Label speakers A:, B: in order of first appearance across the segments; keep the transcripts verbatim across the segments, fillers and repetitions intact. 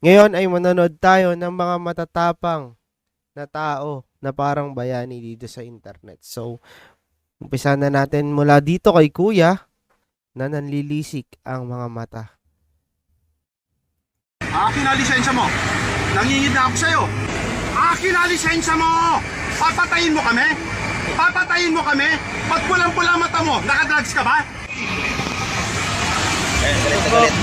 A: Ngayon ay manonood tayo ng mga matatapang na tao na parang bayani dito sa internet. So, umpisa na natin mula dito kay Kuya na nanlilisik ang mga mata.
B: Akin na lisensya mo. Nangingid na ako sa'yo. Akin na lisensya mo. Papatayin mo kami? Papatayin mo kami? Ba't pulang-pula mata mo? Nakadrugs ka ba?
C: Eh, galit na galit.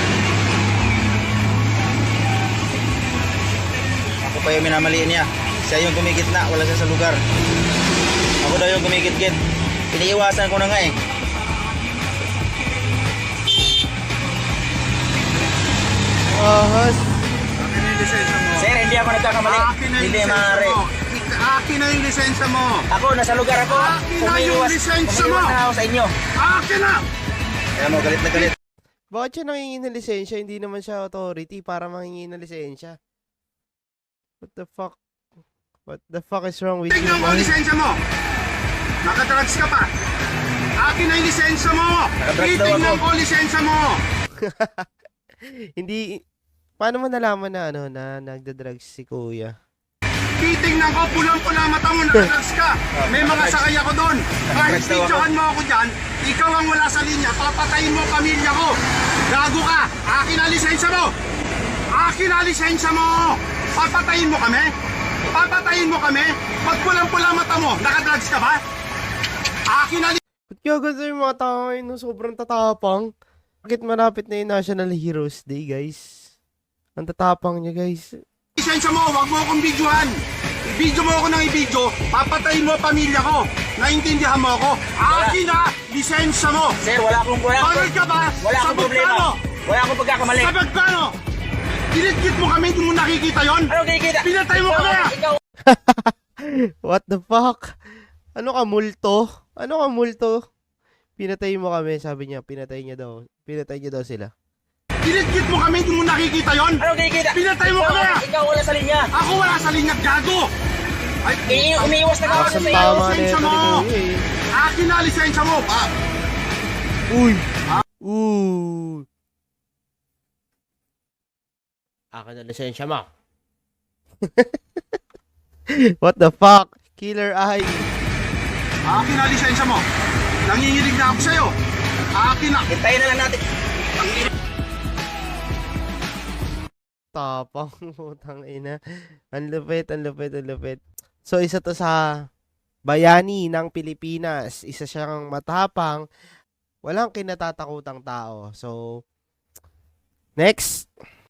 C: Ako pa yung minamaliin niya. Siya yung kumikit na, wala siya sa lugar. Ako daw yung kumikit-kit. Iniiwasan ko na nga eh.
A: Ahas.
B: Akin na yung lisensya mo.
C: Sir, hindi ako nagkakamali.
B: Akin na yung
C: Hindi
B: lisensya
C: maaari.
B: mo. Akin na yung lisensya mo.
C: Ako, nasa lugar ako.
B: Akin na yung
C: Umiiwas,
B: lisensya mo.
C: umiiwas na ako sa inyo.
B: Akin na!
C: Kaya mo, galit na galit.
A: Bakit siya nangingi ng lisensya? Hindi naman siya authority para mangingi ng lisensya. What the fuck? What the fuck is wrong with you,
B: Tignan mo ang
A: man?
B: lisensya mo. Nakadrugs ka pa. Akin na yung lisensya mo.
C: Nakadrugs daw
B: Titignan
C: ako.
B: ko ang lisensya mo.
A: Hindi, paano mo nalaman na ano, na nagda-drugs si Kuya?
B: Titignan ko, pulang-pula mata mo, nakadrugs ka. May mga sakay ako doon. Kahit
C: Nakadrugs daw ako.
B: picturean mo ako dyan, ikaw ang wala sa linya, papatayin mo ang pamilya ko. Gago ka, akin ang lisensya mo. Akin ang lisensya mo. Papatayin mo kami? Papatayin mo kami? Ba't pulang-pula mata mo, nakadrugs ka ba? Akin ang
A: Ba't kaya ganito yung mga tao ngayon no? Sobrang tatapang? Bakit malapit na yung National Heroes Day, guys? Ang tatapang niya, guys.
B: lisensya mo, wag mo akong videohan. I-video mo ako ng i-video, papatayin mo ang pamilya ko. Naintindihan mo ako? Akin na, lisensya mo.
C: Sir, wala akong wala akong,
B: Bakit ka ba?
C: wala akong
B: Sabog
C: problema.
B: ka, no?
C: Wala akong pagkakamali.
B: Sa magkano? Dinidgit mo kami, hindi mo nakikita yon?
C: Ano kinikita?
B: Pinatay mo
C: Ikaw,
B: kami, ah!
C: Ikaw,
A: What the fuck? Ano ka, multo? Ano ka, multo? Pinatay mo kami, sabi niya. Pinatay niya daw. Pinatay niya daw sila.
B: Dinidgit mo kami, hindi mo nakikita yon?
C: ano kinikita?
B: Pinatay mo
C: Ikaw,
B: kami, ah!
C: Ikaw wala sa linya.
B: Ako wala sa linya, gago! Ay,
C: Eh, umiiwas na ako
A: Ang
C: sa iyo.
A: tama na
B: lisensya
A: ito ni
B: mo.
A: Kuya eh.
B: akin na, lisensya mo. Ah,
A: Uy! Uy! Akin na lisensya mo. What the fuck? Killer Eye.
B: akin na, lisensya mo. Nanginginig na ako sa'yo. Akin na.
C: Hintayin na lang natin.
A: Tapang, putang ina. Ang lupit, ang lupit, ang lupit. So, isa to sa bayani ng Pilipinas. Isa siyang matapang. Walang kinatatakutang tao. So, next.